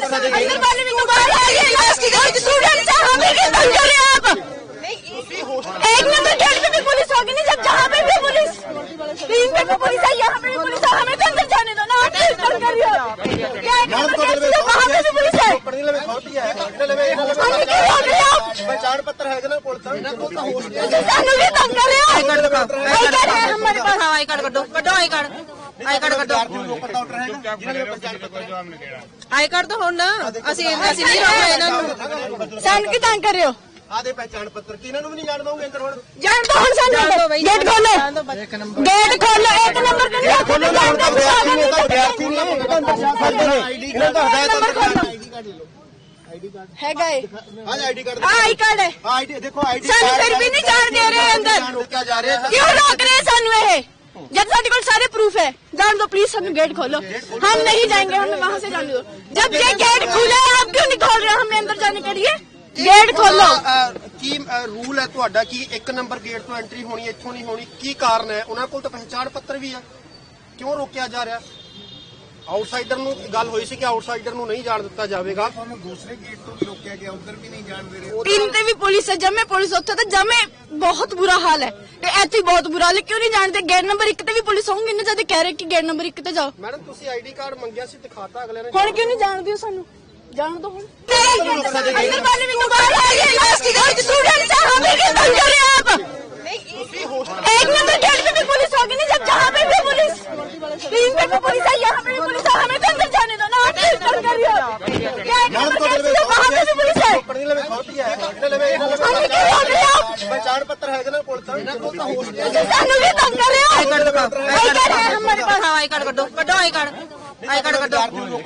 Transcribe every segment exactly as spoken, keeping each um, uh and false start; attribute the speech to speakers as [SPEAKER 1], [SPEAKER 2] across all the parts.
[SPEAKER 1] अंदर वाले भी तो बाहर आ गए, लास्ट की स्टूडेंट्स हैं, हमें क्यों तंग कर रहे हैं आप? एक नंबर गेट पे भी पुलिस होगी नहीं, जब जहाँ पे भी पुलिस, तीन पे भी पुलिस है, यहाँ पे भी पुलिस है, हमें तो अंदर जाने दो ना, आप क्यों तंग कर रहे हो? क्या एक नंबर गेट से वहाँ पे भी पुलिस है, हमें क्यों रोक रहे हो आप?
[SPEAKER 2] पहचान पत्र है ना पुलिस
[SPEAKER 1] सानू भी तंग कर रहे हो? आई कार्ड है हमारे पास,
[SPEAKER 3] आई कार्ड कटो कटो आई कार्ड आई कार्ड कटो आई कार्ड तो ਹੁਣ ਅਸੀਂ ਅਸੀਂ ਨਹੀਂ ਰੋਕ ਰਹੇ ਇਹਨਾਂ ਨੂੰ
[SPEAKER 1] ਸਾਨੂੰ ਕੀ ਤੰਗ ਕਰ ਰਹੇ ਹੋ?
[SPEAKER 2] ਆਦੇ ਪਹਿਚਾਨ ਪੱਤਰ ਕਿ ਇਹਨਾਂ ਨੂੰ ਵੀ ਨਹੀਂ ਜਾਣ ਦੋਗੇ ਅੰਦਰ ਹੁਣ
[SPEAKER 1] ਜਾਣ ਦੋ ਹੁਣ ਸਾਨੂੰ ਗੇਟ ਖੋਲੋ ਗੇਟ ਖੋਲੋ ਇੱਕ ਨੰਬਰ ਤੇ ਨਹੀਂ ਖੋਲੋ
[SPEAKER 2] ਵਿਦਿਆਰਥੀ ਨਹੀਂ ਆਈਡੀ ਕਾਰਡ ਦਾ ਆਈਡੀ ਕਾਰਡ ਲੈ ਲਓ ਆਈਡੀ ਕਾਰਡ
[SPEAKER 1] ਹੈਗਾ ਏ
[SPEAKER 2] ਹਾਂ ਆਈਡੀ ਕਾਰਡ
[SPEAKER 1] ਆਈ ਕਾਰਡ ਹੈ
[SPEAKER 2] ਆਈਡੀ ਦੇਖੋ ਆਈਡੀ
[SPEAKER 1] ਸਾਨੂੰ ਫਿਰ ਵੀ ਨਹੀਂ ਜਾਣ ਦੇ ਰਹੇ ਅੰਦਰ
[SPEAKER 2] ਰੋਕਿਆ ਜਾ ਰਿਹਾ
[SPEAKER 1] क्यों रोक रहे हैं सानू ये? जब सारे को सारे प्रूफ है, जान दो प्लीज, हम गेट खोलो, हम नहीं जाएंगे, हमें वहाँ से जाने दो। जब ये गेट खुला है आप क्यों नहीं खोल रहे? हमें अंदर जाने के लिए गेट खोलो।
[SPEAKER 2] ਕੀ ਰੂਲ ਹੈ ਤੁਹਾਡਾ ਕਿ ਇੱਕ ਨੰਬਰ ਗੇਟ ਤੋਂ ਐਂਟਰੀ ਹੋਣੀ ਇੱਥੋਂ ਨਹੀਂ ਹੋਣੀ, ਕੀ ਕਾਰਨ ਹੈ? ਉਹਨਾਂ ਕੋਲ ਤਾਂ ਪਹਿਚਾਣ ਪੱਤਰ ਵੀ ਹੈ, ਕਿਉਂ ਰੋਕਿਆ ਜਾ ਰਿਹਾ? ਆਊਟਸਾਈਡਰ ਨੂੰ ਗੱਲ ਹੋਈ ਸੀ ਕਿ ਆਊਟਸਾਈਡਰ ਨੂੰ ਨਹੀਂ ਜਾਣ ਦਿੱਤਾ ਜਾਵੇਗਾ, ਤੁਹਾਨੂੰ ਦੂਸਰੇ ਗੇਟ ਤੋਂ ਵੀ ਰੋਕਿਆ ਗਿਆ, ਉਧਰ ਵੀ ਨਹੀਂ ਜਾਣ ਦੇ ਰਹੇ।
[SPEAKER 1] तीन ते भी पुलिस है, जमे पुलिस उत्थे तो जमे बहुत बुरा हाल है, इत्थे बहुत बुरा हाल है, क्यों नहीं जानते? गेट नंबर एक ते भी पुलिस होंगी ना, जद कह रहे कि गेट नंबर एक ते जाओ।
[SPEAKER 2] ਮੈਡਮ ਤੁਸੀਂ ਆਈਡੀ ਕਾਰਡ ਮੰਗਿਆ ਸੀ, ਦਿਖਾਤਾ ਅਗਲੇ ਨੇ,
[SPEAKER 1] ਹੁਣ क्यों नहीं जान दियो सानू? जान दो हुन। अंदर वाले भी तो बाहर आ गए, लास्ट की स्टूडेंट्स हैं, हमें क्यों तंग कर रहे हैं आप? एक नंबर गेट पे भी पुलिस होगी नहीं, जब जहाँ पे भी पुलिस, तीन पे भी पुलिस है, यहाँ पे भी पुलिस है, हमें तो अंदर जाने दो ना, आप क्यों तंग कर रहे हो? क्या एक नंबर गेट से वहाँ पे भी पुलिस है, हमें क्यों रोक रहे हो आप?
[SPEAKER 2] ਪਹਿਚਾਣ ਪੱਤਰ ਹੈ ਨਾ ਪੁਲਿਸ ਦਾ, ਇਹਨਾਂ ਕੋਲ ਤਾਂ ਹੋਸਟ
[SPEAKER 1] सानू भी तंग कर रहे हो?
[SPEAKER 3] आई कार्ड दिखाओ
[SPEAKER 1] आई कार्ड है हमारे पास,
[SPEAKER 3] आई कार्ड कटो कटो आई कार्ड आई कार्ड कटो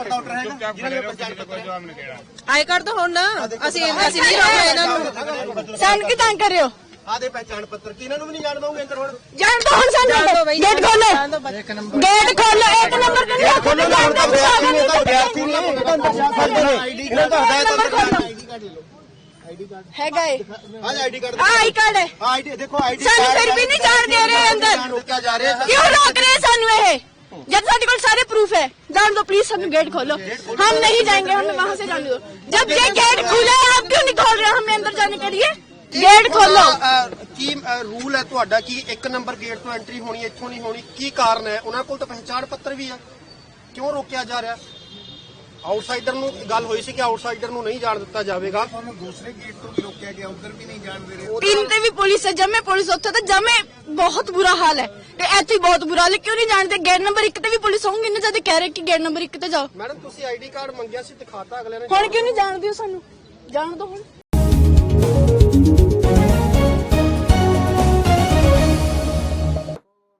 [SPEAKER 3] आई कार्ड तो ਹੁਣ ਅਸੀਂ ਅਸੀਂ ਨਹੀਂ ਰੋਕ ਰਹੇ ਇਹਨਾਂ ਨੂੰ
[SPEAKER 1] सानू की तंग कर रहे हो?
[SPEAKER 2] ਆਦੇ ਪਹਿਚਾਣ ਪੱਤਰ ਕਿ ਇਹਨਾਂ ਨੂੰ ਵੀ ਨਹੀਂ ਜਾਣ ਦੋਗੇ ਅੰਦਰ ਹੁਣ
[SPEAKER 1] जान दो हुन सानू गेट खोलो गेट खोलो एक नंबर ते नहीं खोलो जान दो
[SPEAKER 2] ਵਿਦਿਆਰਥੀ ਨਹੀਂ ਆਈਡੀ ਕਾਰਡ ਦਾ ਆਈਡੀ ਕਾਰਡ ਲੈ ਲਓ ਆਈਡੀ ਕਾਰਡ
[SPEAKER 1] हैगा ਏ
[SPEAKER 2] ਹਾਂ ਆਈਡੀ ਕਾਰਡ
[SPEAKER 1] आई कार्ड है
[SPEAKER 2] ਆਈਡੀ ਦੇਖੋ ਆਈਡੀ
[SPEAKER 1] ਸਾਨੂੰ ਫਿਰ ਵੀ ਨਹੀਂ ਜਾਣ ਦੇ ਰਹੇ ਅੰਦਰ
[SPEAKER 2] ਰੋਕਿਆ ਜਾ ਰਿਹਾ।
[SPEAKER 1] क्यों रोक रहे हैं सानू ये? जब सारे को सारे प्रूफ है, जान दो प्लीज, हम गेट खोलो, हम नहीं जाएंगे, हमें वहाँ से जाने दो। जब ये गेट खुला है आप क्यों नहीं खोल रहे? हमें अंदर जाने के लिए गेट खोलो।
[SPEAKER 2] ਕੀ ਰੂਲ ਹੈ ਤੁਹਾਡਾ ਕਿ ਇੱਕ ਨੰਬਰ ਗੇਟ ਤੋਂ ਐਂਟਰੀ ਹੋਣੀ ਇੱਥੋਂ ਨਹੀਂ ਹੋਣੀ, ਕੀ ਕਾਰਨ ਹੈ? ਉਹਨਾਂ ਕੋਲ ਤਾਂ ਪਹਿਚਾਣ ਪੱਤਰ ਵੀ ਹੈ, ਕਿਉਂ ਰੋਕਿਆ ਜਾ ਰਿਹਾ? ਆਊਟਸਾਈਡਰ ਨੂੰ ਗੱਲ ਹੋਈ ਸੀ ਕਿ ਆਊਟਸਾਈਡਰ ਨੂੰ ਨਹੀਂ ਜਾਣ ਦਿੱਤਾ ਜਾਵੇਗਾ, ਤੁਹਾਨੂੰ ਦੂਸਰੇ ਗੇਟ ਤੋਂ ਵੀ ਰੋਕਿਆ ਗਿਆ, ਉਧਰ ਵੀ ਨਹੀਂ ਜਾਣ ਦੇ ਰਹੇ।
[SPEAKER 1] तीन ते भी पुलिस है, जमे पुलिस उत्थे तो जमे बहुत बुरा हाल है, इत्थे बहुत बुरा हाल है, क्यों नहीं जानते? गेट नंबर एक ते भी पुलिस होंगी ना, जद कह रहे कि गेट नंबर एक ते जाओ।
[SPEAKER 2] ਮੈਡਮ ਤੁਸੀਂ ਆਈਡੀ ਕਾਰਡ ਮੰਗਿਆ ਸੀ, ਦਿਖਾਤਾ ਅਗਲੇ ਨੇ,
[SPEAKER 1] ਹੁਣ क्यों नहीं जान दियो सानू? जान दो हुन।